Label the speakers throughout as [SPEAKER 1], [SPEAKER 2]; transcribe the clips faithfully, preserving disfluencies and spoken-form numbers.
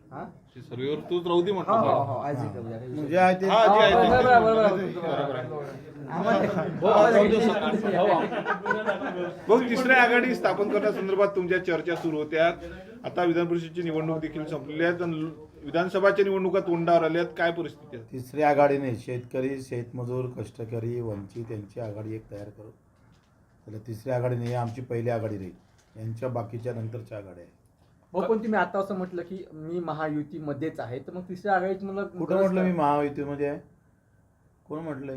[SPEAKER 1] हा
[SPEAKER 2] ते सर्वेवर तूच राहू दे
[SPEAKER 1] हो
[SPEAKER 2] म्हटलं.
[SPEAKER 1] हो हो आज एक उद्या.
[SPEAKER 3] म्हणजे आहे ते
[SPEAKER 2] हा, जे आहे ते.
[SPEAKER 1] बरोबर आहे, बरोबर आहे, बरोबर आहे. आम्हाला-
[SPEAKER 2] भाऊ, तिसऱ्या आघाडी स्थापन करण्यासंदर्भात तुमच्या चर्चा सुरू होत्या. आता विधान परिषदेची निवडणूक देखील संपलेली आहे आणि विधानसभाच्या निवडणुका तोंडावर आल्यात. काय परिस्थिती आहे?
[SPEAKER 3] तिसरी आघाडीने शेतकरी, शेतमजूर, कष्टकरी, वंचित यांची आघाडी एक तयार करू. त्याला तिसरी आघाडी नाही, आमची पहिली आघाडी राहील. यांच्या बाकीच्या नंतरच्या आघाड्या आहे.
[SPEAKER 1] भाऊ पण तुम्ही आता असं म्हटलं की मी महायुतीमध्येच आहे, तर मग तिसऱ्या आघाडीत मला
[SPEAKER 3] कुठं म्हटलं मी महायुतीमध्ये आहे? कोण म्हटलंय?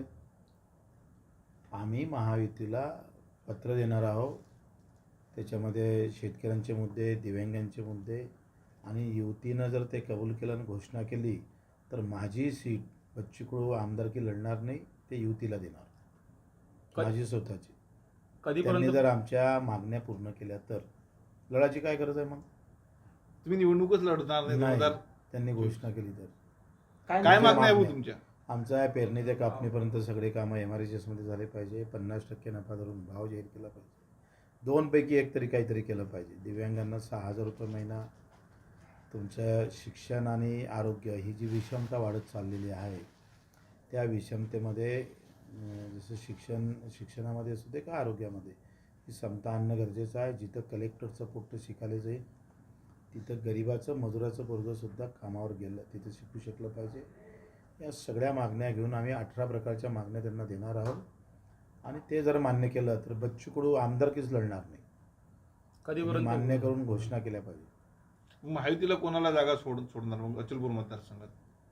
[SPEAKER 3] आम्ही महायुतीला पत्र देणार आहोत. त्याच्यामध्ये शेतकऱ्यांचे मुद्दे, दिव्यांगांचे मुद्दे आणि युतीनं जर ते कबूल केलं आणि घोषणा केली तर माझी सीट बच्चू कडू आमदारकी लढणार नाही, ते युतीला देणार, माझी स्वतःची. त्यांनी जर आमच्या मागण्या पूर्ण केल्या तर लढायची काय गरज आहे? मग
[SPEAKER 2] तुम्ही निवडणूकच लढणार नाही दोन
[SPEAKER 3] नाही,
[SPEAKER 2] हजार
[SPEAKER 3] त्यांनी घोषणा केली तर.
[SPEAKER 2] काय मागण्या आहे भाऊ तुमच्या?
[SPEAKER 3] आमचं आहे पेरणी ते कापणीपर्यंत सगळे कामं एम आर एच एसमध्ये झाले पाहिजे. पन्नास टक्के नफा धरून भाव जाहीर केला पाहिजे. दोनपैकी एक तरी काहीतरी केलं पाहिजे. दिव्यांगांना सहा हजार रुपये महिना. तुमचं शिक्षण आणि आरोग्य ही जी विषमता वाढत चाललेली आहे त्या विषमतेमध्ये जसं शिक्षण शिक्षणामध्ये असू दे का आरोग्यामध्ये ही समता आणणं गरजेचं आहे. जिथं कलेक्टरचं पोट्ट शिकायला जाईल तिथं गरिबाचं मजुराचं पोरगंसुद्धा कामावर गेलं तिथं शिकू शकलं पाहिजे. या सगळ्या मागण्या घेऊन आम्ही अठरा प्रकारच्या मागण्या त्यांना देणार आहोत आणि ते जर मान्य केलं तर बच्चू कडू आमदारकीच लढणार नाही. कधीपर्यंत मान्य करून घोषणा केल्या पाहिजे.
[SPEAKER 2] महायुतीला कोणाला जागा सोड सोडणार मग अचलपूर मतदारसंघात?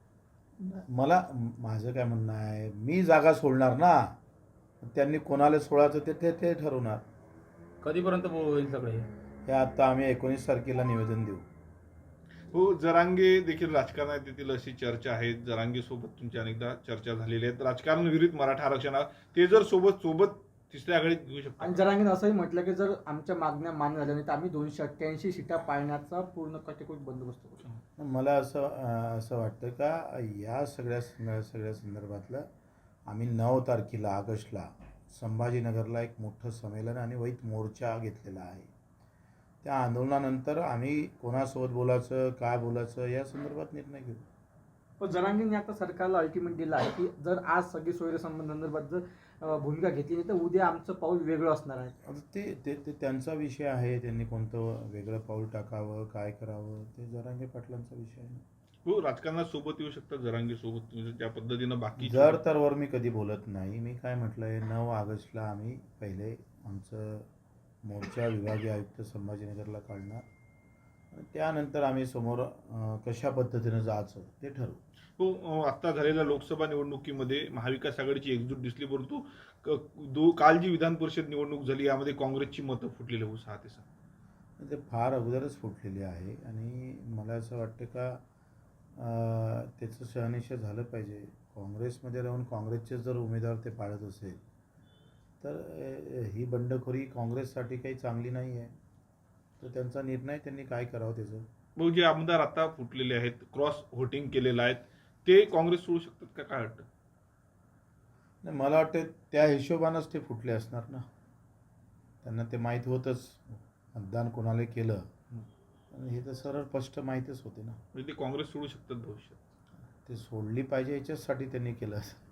[SPEAKER 3] मला माझं काय म्हणणं आहे, मी जागा सोडणार ना, त्यांनी कोणाला सोडायचं ते ते ते ठरवणार.
[SPEAKER 4] कधीपर्यंत होईल सगळे
[SPEAKER 3] हे आता आम्ही एकोणीस तारखेला निवेदन देऊ.
[SPEAKER 2] हो, जरांगे देखील राजकारणात येतील अशी चर्चा आहे. जरांगे सोबत तुमची अनेकदा चर्चा झालेली आहे. राजकारण विरुद्ध मराठा आरक्षण ते जर सोबत सोबत तिसऱ्या आघाडीत घेऊ शकतो.
[SPEAKER 1] आणि जरांगीने असंही म्हटलं की जर आमच्या मागण्या मान्य झाल्या नाही तर आम्ही दोनशे अठ्ठ्याऐंशी सीटा पाळण्याचा पूर्ण कटेकोट बंदोबस्त करू.
[SPEAKER 3] मला असं असं वाटतं का या सगळ्या सगळ्या संदर्भातलं आम्ही नऊ तारखेला ऑगस्टला संभाजीनगरला एक मोठं संमेलन आणि वैत मोर्चा घेतलेला आहे. त्या आंदोलनानंतर आम्ही कोणासोबत बोलायचं काय बोलायचं या संदर्भात निर्णय घेऊ.
[SPEAKER 1] पण जरांगीने आता सरकारला अल्टिमेट दिला आहे की जर आज सगळी सोयीसंबंधांसंदर्भात जर भूमिका घेतली नाही तर उद्या आमचं पाऊल वेगळं असणार आहे.
[SPEAKER 3] आता ते ते ते त्यांचा विषय आहे. त्यांनी कोणतं वेगळं पाऊल टाकावं काय करावं ते जरांगे पाटलांचा विषय आहे.
[SPEAKER 2] हो, राजकारणात सोबत येऊ शकतात जरांगे सोबत त्या पद्धतीनं. बाकी
[SPEAKER 3] जर तर वर मी कधी बोलत नाही. मी काय म्हटलंय, नऊ ऑगस्टला आम्ही पहिले आमचं मोर्चा विभागीय आयुक्त संभाजीनगरला काढणार आणि त्यानंतर आम्ही समोर कशा पद्धतीनं जायचं ते ठरवू.
[SPEAKER 2] हो, आत्ता झालेल्या लोकसभा निवडणुकीमध्ये महाविकास आघाडीची एकजूट दिसली, परंतु दो काल जी विधान परिषद निवडणूक झाली यामध्ये काँग्रेसची मतं फुटलेली हो सहा ते सहा.
[SPEAKER 3] ते फार अगोदरच फुटलेली आहे आणि मला असं वाटतं का त्याचं शहानिशा झालं पाहिजे. काँग्रेसमध्ये राहून काँग्रेसचे जर उमेदवार ते पाळत असेल तर ही बंडखोरी काँग्रेससाठी काही चांगली नाही आहे. तर त्यांचा निर्णय त्यांनी काय करावं त्याचं.
[SPEAKER 2] भाऊ, जे आमदार आता फुटलेले आहेत, क्रॉस व्होटिंग केलेलं आहेत, ते काँग्रेस सोडू शकतात का? काय वाटतं?
[SPEAKER 3] नाही, मला वाटतं त्या हिशोबानंच ते फुटले असणार ना. त्यांना ते माहीत होतंच मतदान कोणाला केलं आणि हे तर सरळ स्पष्ट माहीतच होते ना.
[SPEAKER 2] म्हणजे ते काँग्रेस सोडू शकतात भविष्यात.
[SPEAKER 3] ते सोडली पाहिजे याच्याचसाठी त्यांनी केलं असं.